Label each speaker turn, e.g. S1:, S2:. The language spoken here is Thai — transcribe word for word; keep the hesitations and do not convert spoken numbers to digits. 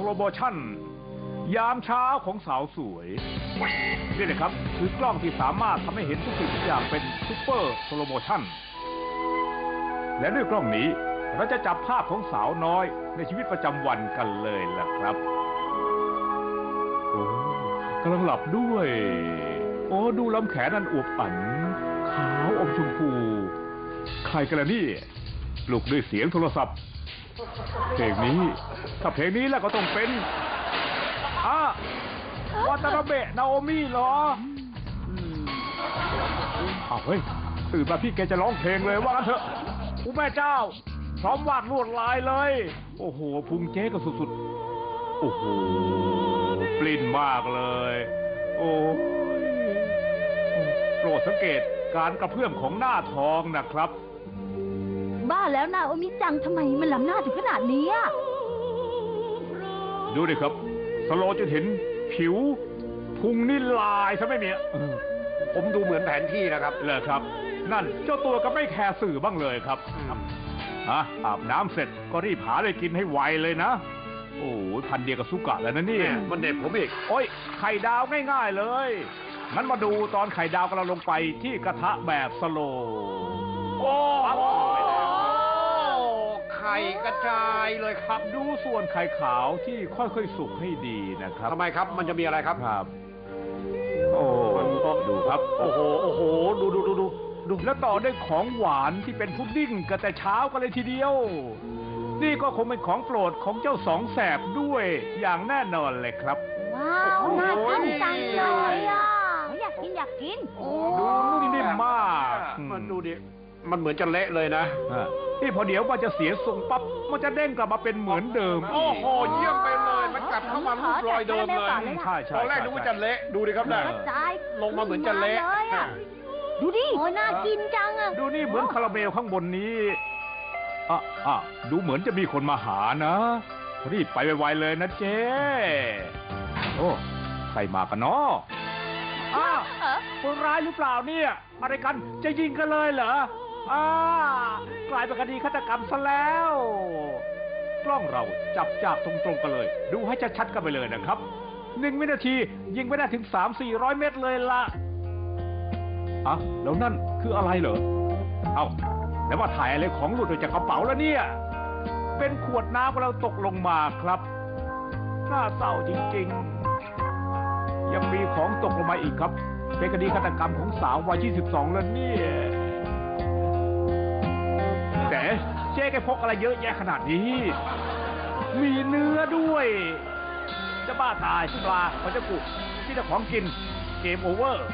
S1: โมชั่นยามเช้าของสาวสวยนี่เลยครับคือกล้องที่สามารถทำให้เห็นทุกสิ่งทุกอย่างเป็นซูเปอร์สโลโมชั่นและด้วยกล้องนี้เราจะจับภาพของสาวน้อยในชีวิตประจำวันกันเลยล่ะครับโอ้กำลังหลับด้วยโอ้ดูลำแขนนั่นอวบอันขาวอมชมพูใครกันล่ะนี่ปลุกด้วยเสียงโทรศัพท์เพลงนี้ถ้าเพลงนี้แล้วก็ต้องเป็นอ่ะวาตานาเบะนาโอมิเหรออ้าวเฮ้ยตื่นมาพี่แกจะร้องเพลงเลยว่างั้นเถอะอู้แม่เจ้าพร้อมวาดลวดลายเลยโอ้โหพุงเจ๊ก็สุดๆโอ้โหปลิ้นมากเลยโอ้โปรดสังเกตการกระเพื่อมของหน้าทองนะครับ
S2: บ้าแล้วนาโอมิจังทำไมมันล้ำหน้าถึงขนาดนี้อ่ะ
S1: ดูดิครับสโลจะเห็นผิวพุงนี่ลายซะไม่มี
S3: ผมดูเหมือนแผนที่นะครับ
S1: เลยครับนั่นเจ้าตัวก็ไม่แคร์สื่อบ้างเลยครับฮะอาบน้ำเสร็จก็รีบหาอะไรกินให้ไวเลยนะโอ้ยพันเดียวกับสุกะแล้วนะนี่
S3: มันเด็ดผมอีก
S1: โอ้ยไข่ดาวง่ายๆเลยงั้นมาดูตอนไข่ดาวกำลังลงไปที่กระทะแบบสโล
S3: โอ้ไข่กระจายเลยครับ
S1: ดูส่วนไข่ขาวที่ค่อยๆสุกให้ดีนะครับ
S3: ทำไมครับมันจะมีอะไรครับ
S1: ครับโอ้ดูครับ
S3: โอ้โหโอ้โหดูดูดูดู
S1: ดูแล้วต่อด้วยของหวานที่เป็นพุดดิ้งกันแต่เช้ากันเลยทีเดียวนี่ก็คงเป็นของโปรดของเจ้าสองแสบด้วยอย่างแน่นอนเลยครับ
S2: ว้าวน่ากินจังเลยอ่ะอยากกินอยากกิน
S1: ดูนุ่มนิ่มมาก
S3: มันดูดิมันเหมือนจะเละเลยนะ
S1: นี่พอเดี๋ยวมันจะเสียทรงปั๊บมันจะเด้งกลับมาเป็นเหมือนเดิม
S3: โอ้โหเยี่ยมไปเลยมันกลับเข้ามารูปรอยเดิมเลย
S1: ใช่ใช่
S3: ตอนแรกนึกว่าจะเละดูดิครับเนี่ยลงมาเหมือนจะเละ
S2: ดูดิโอ้น่ากินจังอ่ะ
S1: ดูนี่เหมือนคาราเมลข้างบนนี้อ่ะอ่ะดูเหมือนจะมีคนมาหานะรีบไปไวๆเลยนะเจ๊โอ้ใครมากันเนาะอ้าวคนร้ายหรือเปล่าเนี่ยอะไรกันจะยิงกันเลยเหรออ้ากลายเป็นคดีฆาตกรรมซะแล้วกล้องเราจับจากตรงๆกันเลยดูให้ชัดๆกันไปเลยนะครับหนึ่งวินาทียิงไปได้ถึงสามสี่ร้อยเมตรเลยล่ะอ่ะแล้วนั่นคืออะไรเหรอเอ้าแล้วว่าถ่ายอะไรของหลุดออกจากกระเป๋าแล้วเนี่ยเป็นขวดน้ำของเราตกลงมาครับน่าเศร้าจริงๆยังมีของตกลงมาอีกครับเป็นคดีฆาตกรรมของสาววัยยี่สิบสองแล้วเนี่ยแต่เจ๊แกพกอะไรเยอะแยะขนาดนี้มีเนื้อด้วยจะบ้าตายปลาเขาจะกุที่จะของกินเกมโอเวอร์